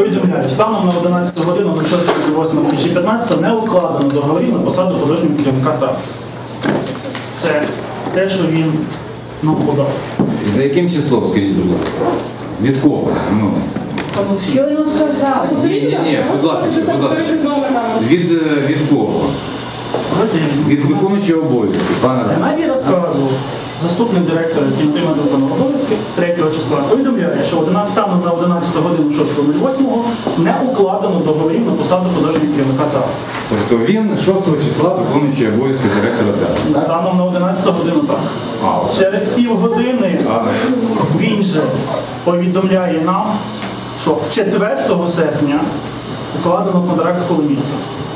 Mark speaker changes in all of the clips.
Speaker 1: Повідомляю, станом на 11 годину 06.08.2015 не укладено договорів на посаду художнього керівника ТАП. Це те, що він нам подав.
Speaker 2: За яким числом, скажіть, будь ласка? Від кого? Ну.
Speaker 3: Що йому сказав?
Speaker 2: Ні, будь ласка. Від кого? Від виконуючого обов'язки, пане Руслан.
Speaker 1: Геннадій розказував, заступник директора, який отримав виконав обов'язки з 3 числа, повідомляє, що станом на 11 годину 6.08 не укладено договорів на посаду художнього керівника ТАП.
Speaker 2: Тобто він 6 числа виконуючий обов'язки директора театру.
Speaker 1: Станом на 11 годину так. Через півгодини він же повідомляє нам, що 4 серпня укладено контракт з Коломійцем.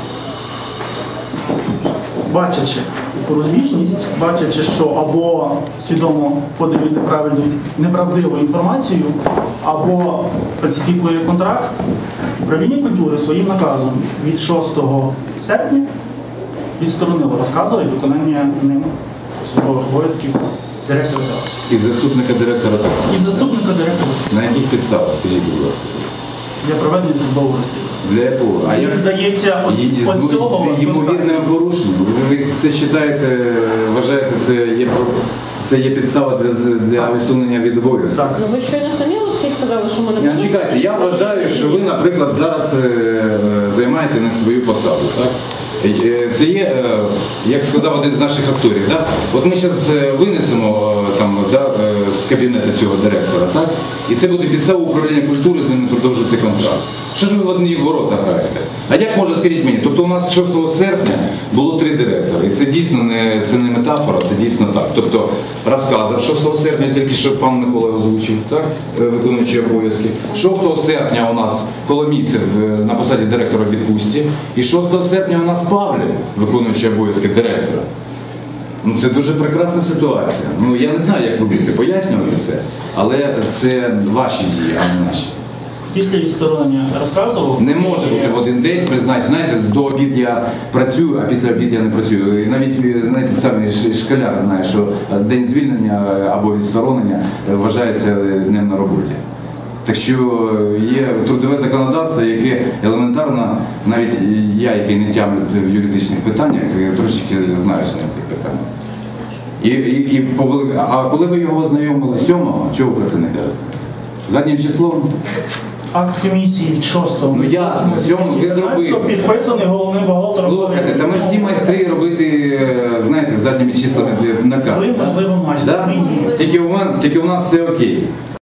Speaker 1: Бачачи розбіжність, бачачи, що або свідомо подають неправдиву інформацію, або фальсифікує контракт, управління культури своїм наказом від 6 серпня відсторонило розказу і виконання ним службових обов'язків директора театру.
Speaker 2: І заступника директора так само.
Speaker 1: І заступника директора.
Speaker 2: На яких підставах, скажіть, будь ласка?
Speaker 1: Для проведення службового розслідування.
Speaker 2: Для якого? А як
Speaker 1: здається, от цього
Speaker 2: з ймовірним порушенням? Ви це вважаєте, це є підстава для усунення від обов'язку?
Speaker 1: Так.
Speaker 3: Ну ви щойно самі, Олексій, сказали, що ми не будемо.
Speaker 2: Чекайте, я вважаю, що ви, наприклад, зараз займаєте не свою посаду, так? Це є, як сказав один з наших акторів, да? От ми зараз винесемо там, да, з кабінету цього директора, так? І це буде підстава управління культури з ними продовжити контракт. Що ж ви в одні ворота граєте? А як може, скажіть мені, тобто у нас 6 серпня було 3 директори, і це дійсно не метафора, це дійсно так. Тобто розказав 6 серпня, тільки що пан Микола озвучив, так? Виконуючий обов'язки. 6 серпня у нас Коломійцев на посаді директора в відпустці, і 6 серпня у нас Павлів, виконуючий обов'язки директора. Ну, це дуже прекрасна ситуація. Ну, я не знаю, як ви будете пояснювати це, але це ваші дії, а не наші.
Speaker 1: Після відсторонення розказував.
Speaker 2: Не може бути в один день призначити. Знаєте, до обід я працюю, а після обід я не працюю. І навіть, знаєте, саме школяр знає, що день звільнення або відсторонення вважається днем на роботі. Так що є трудове законодавство, яке елементарно, навіть я, який не тямлю в юридичних питаннях, трошечки знаюся на цих питаннях. А коли ви його ознайомили 7-го, чого ви про це не кажете? Заднім числом?
Speaker 1: Акт комісії від 6-го.
Speaker 2: Ну ясно, 7-го ви зробили.
Speaker 1: Підписаний головним бухгалтером.
Speaker 2: Слухайте, та ми всі майстри робити, знаєте, задніми числами наказ.
Speaker 1: Ви, можливо, майстер.
Speaker 2: Да? Тільки у нас все окей.